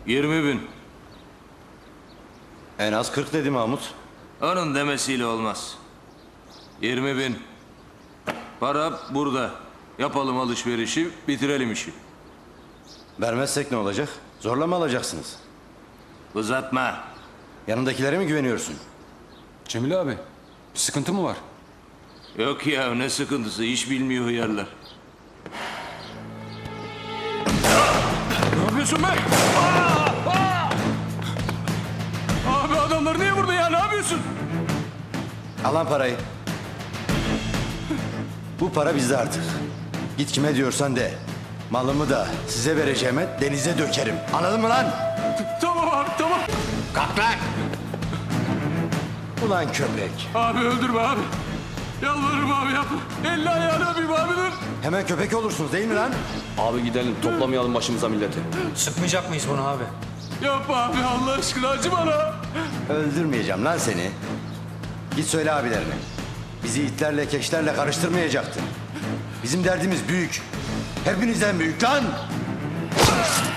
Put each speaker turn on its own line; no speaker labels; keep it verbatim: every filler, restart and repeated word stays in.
Yirmi bin.
En az kırk dedi Mahmut.
Onun demesiyle olmaz. Yirmi bin. Para burada. Yapalım alışverişi, bitirelim işi.
Vermezsek ne olacak? Zorla mı alacaksınız?
Uzatma.
Yanındakilere mi güveniyorsun?
Cemil abi, bir sıkıntı mı var?
Yok ya, ne sıkıntısı, iş bilmiyor hıyarlar.
Ne yapıyorsun be? Aa! Aa! Abi adamlar niye burada ya? Ne yapıyorsun?
Al lan parayı. Bu para bizde artık. Git kime diyorsan de. Malımı da size vereceğime denize dökerim. Anladın mı lan?
Tamam abi, tamam.
Kalk lan! Ulan köpek.
Abi öldürme abi. Yalvarırım abi yapma. Elli ayağını öpeyim abi dur.
Hemen köpek olursunuz değil mi lan?
Abi gidelim toplamayalım başımıza milleti.
Sıkmayacak mıyız bunu abi?
Yapma abi Allah aşkına acı bana.
Öldürmeyeceğim lan seni. Git söyle abilerine. Bizi itlerle keşlerle karıştırmayacaktı. Bizim derdimiz büyük. Hepinizden büyük lan!